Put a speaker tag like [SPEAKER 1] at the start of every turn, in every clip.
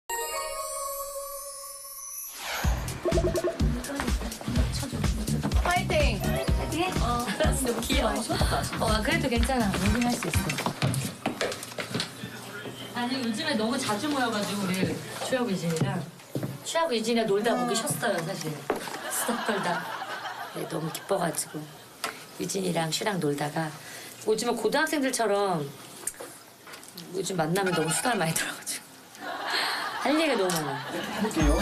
[SPEAKER 1] 파이팅!
[SPEAKER 2] 파이팅해? 너무 귀여워. 그래도 괜찮아. 무빙할 수 있어. 아니 요즘에 너무 자주 모여가지고 우리 추억 유진이랑 추억 유진이랑 놀다 보기 쉬었어요 사실. 수다 떨다. 네, 너무 기뻐가지고 유진이랑 슈랑 놀다가 요즘에 고등학생들처럼 요즘 만나면 너무 수다를 많이 떨어가지고 할 얘기가 너무 많아.
[SPEAKER 3] 볼게요.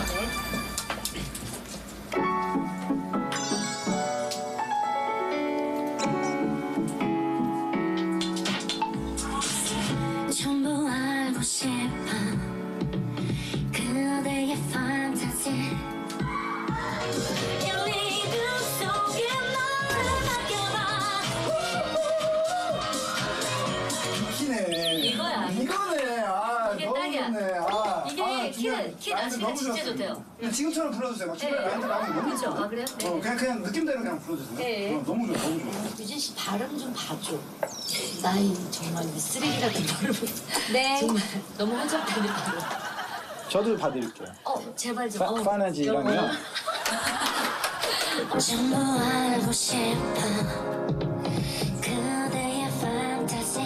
[SPEAKER 4] 전부 알고 싶어 그대의 판타지 열리는 속에 너를 맡겨봐
[SPEAKER 3] 키네.
[SPEAKER 2] 이거야.
[SPEAKER 3] 이거네. 아,
[SPEAKER 2] 이게
[SPEAKER 3] 너무
[SPEAKER 2] 딱이야.
[SPEAKER 3] 좋네. 아,
[SPEAKER 2] 이게 키는
[SPEAKER 3] 라인도
[SPEAKER 2] 아시가
[SPEAKER 3] 너무
[SPEAKER 2] 진짜
[SPEAKER 3] 좋았어요.
[SPEAKER 2] 좋대요.
[SPEAKER 3] 그냥 지금처럼 불러주세요. 막 중간에
[SPEAKER 2] 네.
[SPEAKER 3] 라인도 나오면 너무
[SPEAKER 2] 그죠?
[SPEAKER 3] 좋아요.
[SPEAKER 2] 아, 그래요? 네.
[SPEAKER 3] 그냥 느낌대로 그냥 불러주세요.
[SPEAKER 2] 네.
[SPEAKER 3] 너무 좋아, 너무 좋아.
[SPEAKER 2] 유진 씨 발음 좀 봐줘. 나이 정말 쓰레기 같은 발음.
[SPEAKER 1] 네.
[SPEAKER 2] 정말 너무 혼잡다니 발음.
[SPEAKER 3] 저도 봐드릴게요.
[SPEAKER 2] 제발 좀.
[SPEAKER 3] 파나지랑요.
[SPEAKER 4] 전부 알고 싶어 그대의 판타지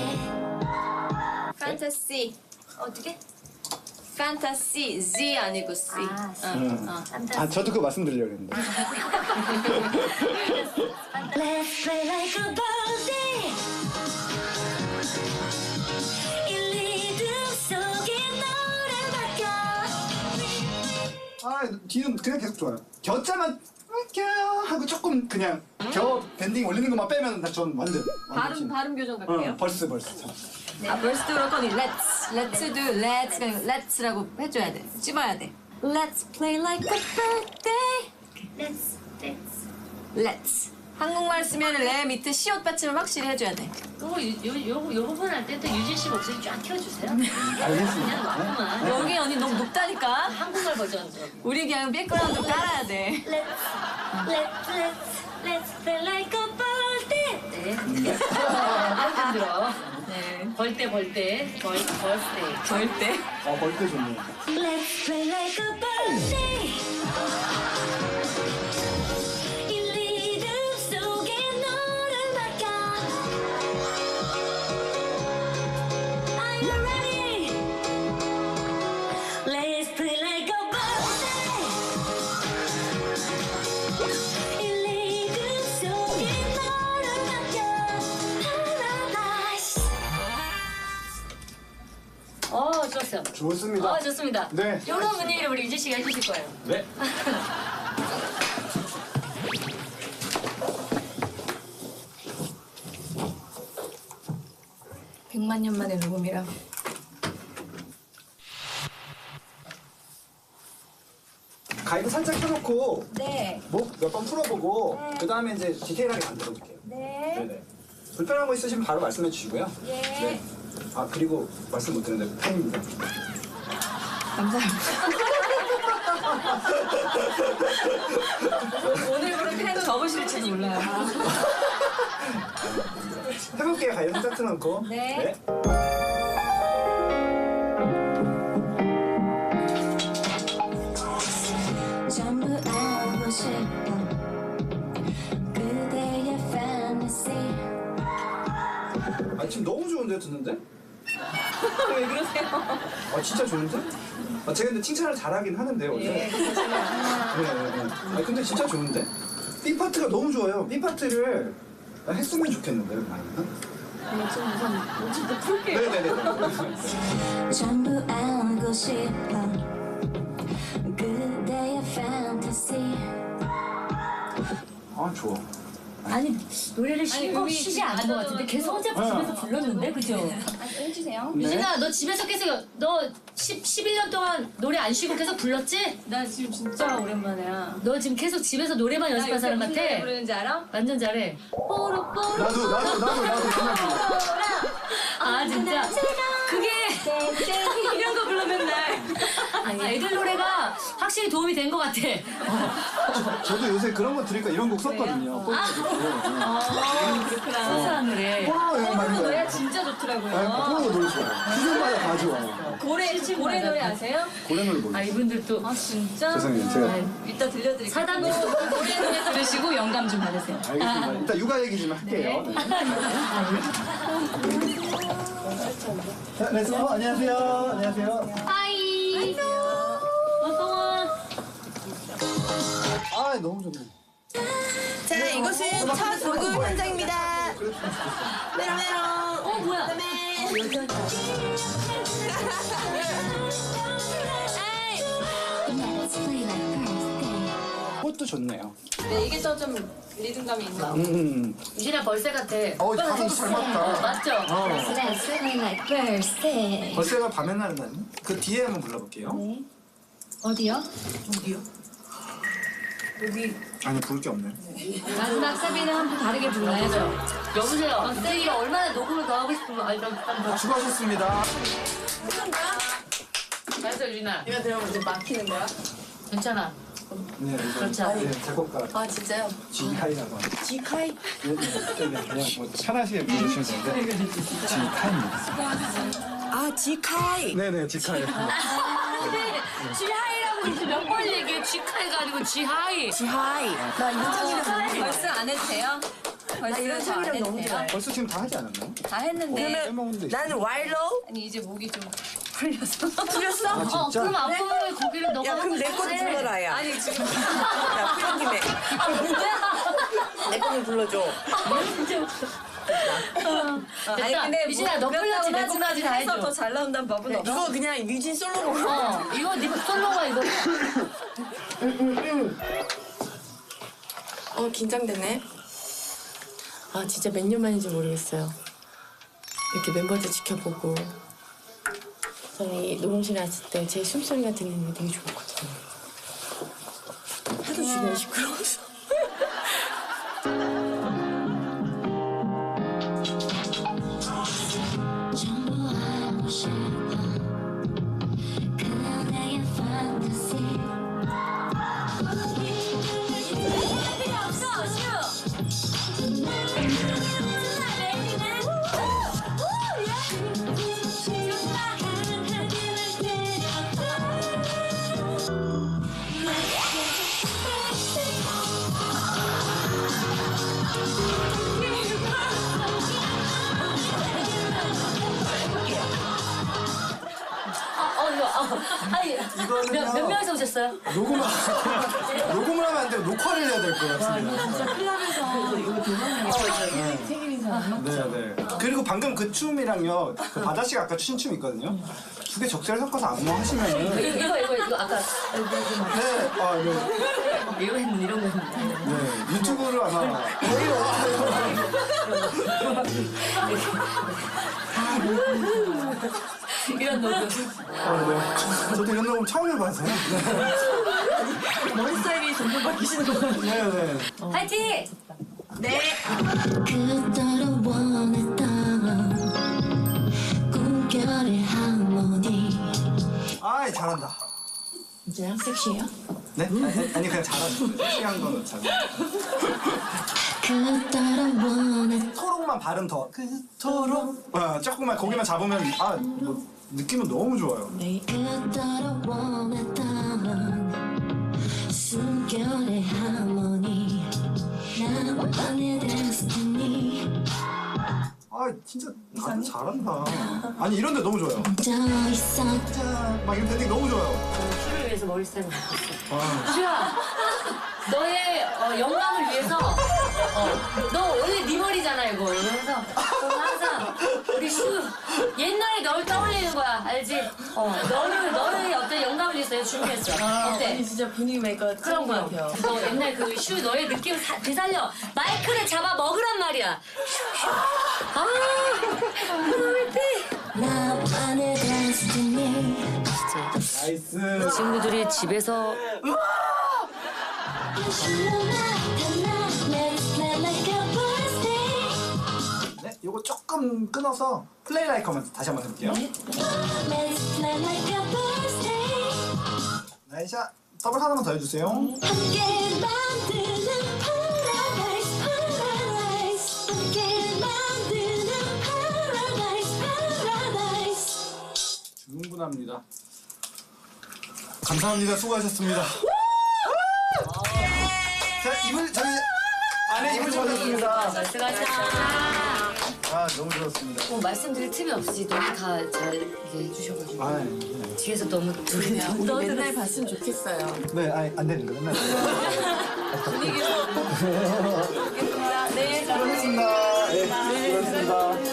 [SPEAKER 1] 판타시.
[SPEAKER 2] 어떻게?
[SPEAKER 1] 판타시. Z 아니고 C.
[SPEAKER 2] 아, C.
[SPEAKER 3] 아, 저도 그거 말씀드리려고 했는데.
[SPEAKER 4] Let's play like a birthday 이 리듬 속에 너를 맡겨
[SPEAKER 3] 아, 뒤는 그냥 계속 좋아요. 겨자만 할게요 하고 조금 그냥 겨 밴딩 올리는 것만 빼면 전 완전.
[SPEAKER 1] 발음 교정 갈게요.
[SPEAKER 3] 벌스.
[SPEAKER 1] 벌스도 그럴 거니 let's도 let's가 아니고 let's라고 해줘야 돼. 찝어야 돼. Let's play like a birthday. Let's. 한국말 쓰면 레 밑에 시옷 받침을 확실히 해줘야 돼.
[SPEAKER 2] 요 부분 할 때 또 유진 씨 목소리 쫙 키워주세요.
[SPEAKER 3] 알겠습니다.
[SPEAKER 2] 그냥 너무만.
[SPEAKER 1] 여기 언니 너무 높다니까.
[SPEAKER 2] 한국말 버전 좀.
[SPEAKER 1] 우리 그냥 백그라운드 깔아야 돼.
[SPEAKER 4] Let's play like a birthday
[SPEAKER 2] 네. 힘들어.
[SPEAKER 1] 네.
[SPEAKER 2] 벌떼.
[SPEAKER 1] 절대.
[SPEAKER 3] 벌떼 좋네요.
[SPEAKER 4] Let's play like a birthday 이 리듬 속에 너를 맡겨 Are you ready? Let's play like a birthday 이 리듬 속에 너를 맡겨 Paradise
[SPEAKER 2] 좋았어요.
[SPEAKER 3] 좋습니다.
[SPEAKER 2] 좋습니다.
[SPEAKER 3] 네.
[SPEAKER 2] 이런 분위기를 우리 유진 씨가 해주실 거예요.
[SPEAKER 3] 네.
[SPEAKER 1] 백만 년 만의 녹음이라.
[SPEAKER 3] 가이드 살짝 켜놓고
[SPEAKER 1] 네.
[SPEAKER 3] 목 몇 번 풀어보고 그 다음에 이제 디테일하게 만들어볼게요.
[SPEAKER 1] 네.
[SPEAKER 3] 네네. 불편한 거 있으시면 바로 말씀해 주시고요.
[SPEAKER 1] 예.
[SPEAKER 3] 네. 아 그리고 말씀 못 드렸는데 팬입니다.
[SPEAKER 1] 감사합니다. 오늘부로 팬 접으실지도 몰라요.
[SPEAKER 3] 해볼게요. 가이드 살짝 틀어놓고.
[SPEAKER 1] 네.
[SPEAKER 4] 전부 알고 싶어 그대의 fantasy
[SPEAKER 3] 아 지금 너무 좋은데요 듣는데?
[SPEAKER 1] 왜 그러세요?
[SPEAKER 3] 아 진짜 좋은데? 아 제가 근데 칭찬을 잘하긴 하는데요 원래. 네. 아 근데 진짜 좋은데? B 파트가 너무 좋아요. B 파트를 했으면 좋겠는데요, 많이는?
[SPEAKER 1] 어쨌든 풀게요.
[SPEAKER 3] 네네네.
[SPEAKER 4] 전부 알고 싶어 그대의 fantasy
[SPEAKER 3] 아 좋아.
[SPEAKER 2] 아니 노래를
[SPEAKER 1] 여기
[SPEAKER 2] 쉬지 않은 것 같은데 계속 혼자 집에서 불렀는데 그죠?
[SPEAKER 1] 해주세요.
[SPEAKER 2] 유진아 너 집에서 계속 너 11년 동안 노래 안 쉬고 계속 불렀지?
[SPEAKER 1] 나 지금 진짜 오랜만이야.
[SPEAKER 2] 너 지금 계속 집에서 노래만 연습한 사람 같아?
[SPEAKER 1] 무슨 노래 부르는지 알아?
[SPEAKER 2] 완전 잘해.
[SPEAKER 3] 나도 정말 좋아.
[SPEAKER 2] 아 진짜 그게 이런 거 불러 맨날. 아니, 애들 노래가 확실히 도움이 된 것 같아.
[SPEAKER 3] 저도 요새 그런 거 들으니까 이런 곡 썼거든요.
[SPEAKER 2] 그렇구나. 순수한 노래.
[SPEAKER 1] 호르몬 노래 진짜 좋더라고요.
[SPEAKER 3] 코로나 노래 좋아요. 시즌마다 다 좋아요.
[SPEAKER 1] 고래 노래 아세요?
[SPEAKER 3] 고래 노래
[SPEAKER 2] 아,
[SPEAKER 3] 몰라요.
[SPEAKER 2] 이분들 또.
[SPEAKER 1] 아 진짜?
[SPEAKER 3] 죄송해요. 제가
[SPEAKER 1] 이따 들려드릴게요.
[SPEAKER 2] 사단도
[SPEAKER 1] 고래 노래 들으시고 영감 좀 받으세요.
[SPEAKER 3] 알겠습니다. 일단 육아 얘기 좀 할게요. 네. 자, 네, 안녕하세요. 안녕하세요.
[SPEAKER 2] 하이. 어서와.
[SPEAKER 3] 아, 너무 좋네.
[SPEAKER 5] 자, 이곳은 첫 녹음 현장입니다. 메롱메롱.
[SPEAKER 2] 어, 뭐야?
[SPEAKER 3] 꽃도 좋네요.
[SPEAKER 1] 네, 이게 더 좀 리듬감이 있나?
[SPEAKER 2] 유진아 벌새 같아.
[SPEAKER 3] 가슴 잘 맞다.
[SPEAKER 2] 맞죠?
[SPEAKER 1] Let's sing like birthday.
[SPEAKER 3] 벌새가 밤에 날다니? 그 뒤에 한번 불러볼게요.
[SPEAKER 1] 어디요?
[SPEAKER 3] 아니, 부를 게 없네.
[SPEAKER 1] 마지막 사비는 한 번 다르게 불러야죠.
[SPEAKER 2] 여보세요. 선생님이 얼마나 녹음을 더 하고 싶으면 더.
[SPEAKER 3] 수고하셨습니다.
[SPEAKER 2] 잘했어 유진아.
[SPEAKER 5] 내가 들어보면 이제 막히는 거야?
[SPEAKER 2] 괜찮아.
[SPEAKER 3] 네,
[SPEAKER 2] 그렇죠.
[SPEAKER 3] 네, 작곡가
[SPEAKER 5] 아, 진짜요?
[SPEAKER 3] 지하이라고 합니다.
[SPEAKER 5] 지카이?
[SPEAKER 3] 네, 그냥 뭐 편하시게 부르시면 되는데 지하이입니다.
[SPEAKER 5] 아, 지카이.
[SPEAKER 3] 네네, 지하이.
[SPEAKER 2] 지하이라고 이제 몇 번 얘기해. 지카이가 아니고 지하이.
[SPEAKER 5] 지하이. 나 이런 창이랑 너무 좋아.
[SPEAKER 1] 벌써 안 해도 돼요? 벌써
[SPEAKER 5] 이런
[SPEAKER 1] 저안
[SPEAKER 5] 창이랑
[SPEAKER 1] 해도
[SPEAKER 5] 너무
[SPEAKER 1] 돼요?
[SPEAKER 5] 좋아해.
[SPEAKER 3] 벌써 지금 다 하지 않았나요?
[SPEAKER 1] 다 했는데
[SPEAKER 3] 빼먹는데.
[SPEAKER 5] 나는 와일로우?
[SPEAKER 1] 아니 이제 목이 좀 풀려서
[SPEAKER 5] 풀렸어?
[SPEAKER 2] 어, 그럼 앞으로 거기를 너가
[SPEAKER 5] 야, 그럼 내
[SPEAKER 2] 하고
[SPEAKER 5] 것도
[SPEAKER 2] 싶어.
[SPEAKER 5] 불러라, 야.
[SPEAKER 1] 아니 지금
[SPEAKER 5] 야, 풀린 김에. 내 거는 불러줘.
[SPEAKER 1] 아니 근데
[SPEAKER 2] 유진아, 너 풀렸지? 내 것까지 다 해줘.
[SPEAKER 1] 더잘 나온다는 법은 없어.
[SPEAKER 5] 이거 그냥 유진 솔로로.
[SPEAKER 2] 이거 네 솔로가 이거.
[SPEAKER 5] 긴장되네. 아, 진짜 몇 년 만인지 모르겠어요. 이렇게 멤버들 지켜보고. 저는 이 녹음실에 왔을 때 제 숨소리가 들리는 게 되게 좋았거든요. 하도 주변이 시끄러워서.
[SPEAKER 4] 전부 알고 싶어 그대의 판타지 필요 없어 슈
[SPEAKER 2] 아니, 몇 명이서 오셨어요?
[SPEAKER 3] 녹음을 하면 안 되고 녹화를 해야 될 것 같습니다. 네. 그리고 방금 그 춤이랑요, 그 바다 씨가 아까 추신 춤 있거든요. 두 개 적절히 섞어서 안무하시면은
[SPEAKER 2] 이거 아까
[SPEAKER 3] 네, 네,
[SPEAKER 2] 이거 했는데 이런 거 했는데.
[SPEAKER 3] 네, 유튜브를 아마
[SPEAKER 2] 이런 녹음.
[SPEAKER 3] 저도 이런 녹음 처음 해봐서요.
[SPEAKER 5] 머리 스타일이 점점 바뀌시는 거 같아요.
[SPEAKER 3] 네, 네.
[SPEAKER 2] 파이팅!
[SPEAKER 4] 그토록 원했던 꿈결의 하모니
[SPEAKER 3] 아이, 잘한다.
[SPEAKER 5] 진짜요? 섹시해요?
[SPEAKER 3] 네? 아니, 그냥 잘하죠. 섹시한 거는 잘.
[SPEAKER 4] 그토록 원했던
[SPEAKER 3] 토록만 발음 더. 그토록. 조금만 거기만 잡으면 뭐 느낌은 너무 좋아요.
[SPEAKER 5] 네.
[SPEAKER 4] 그토록 원했던 숨결의 하모니 나만의 데스티니
[SPEAKER 3] 진짜 다들 잘한다. 아니, 이런데 너무 좋아요.
[SPEAKER 4] 저 있어
[SPEAKER 3] 막 이런 밴딩 너무 좋아요.
[SPEAKER 2] 슈를 위해서 머리 스타일을 바꿨어. 슈야, 너의 영감을 위해서 너 원래 네 머리잖아 이거. 그래서 항상 우리 슈 옛날에 널 떠올리는 거야, 알지? 너를 어떤 영감을 위해서 준비했어. 어때?
[SPEAKER 5] 아니, 진짜 분위기 메이커
[SPEAKER 2] 그런 거야.
[SPEAKER 5] 같아요.
[SPEAKER 2] 너 옛날 그 슈 너의 느낌을 되살려. 마이크를 잡아 먹으란 말이야. 아,
[SPEAKER 4] 나만의 데스티니
[SPEAKER 3] 나이스.
[SPEAKER 2] 친구들이 집에서
[SPEAKER 4] Let's play like a birthday
[SPEAKER 3] 네, 요거 조금 끊어서 플레이 라이크 한번 다시 한번 해볼게요.
[SPEAKER 4] Let's play like a birthday
[SPEAKER 3] 자, 더블 하나만 더 해주세요.
[SPEAKER 4] 함께 만드는 paradise paradise 함께 만드는 paradise paradise
[SPEAKER 3] 충분합니다. 감사합니다. 수고하셨습니다. 자, 이불 저희 안에 이불 잡았습니다.
[SPEAKER 2] 수고하셨습니다.
[SPEAKER 3] 아, 너무 좋았습니다.
[SPEAKER 2] 뭐 말씀드릴 틈이 없이 너무 다 잘 해주셔가지고
[SPEAKER 3] 아, 네.
[SPEAKER 2] 뒤에서 너무 둘이
[SPEAKER 5] 우리 맨날 봤으면 좋겠어요.
[SPEAKER 3] 네, 아니, 안 되는 거 맨날.
[SPEAKER 1] 분위기로. 알겠습니다. 네,
[SPEAKER 3] 수고하셨습니다. 네, 수고하셨습니다.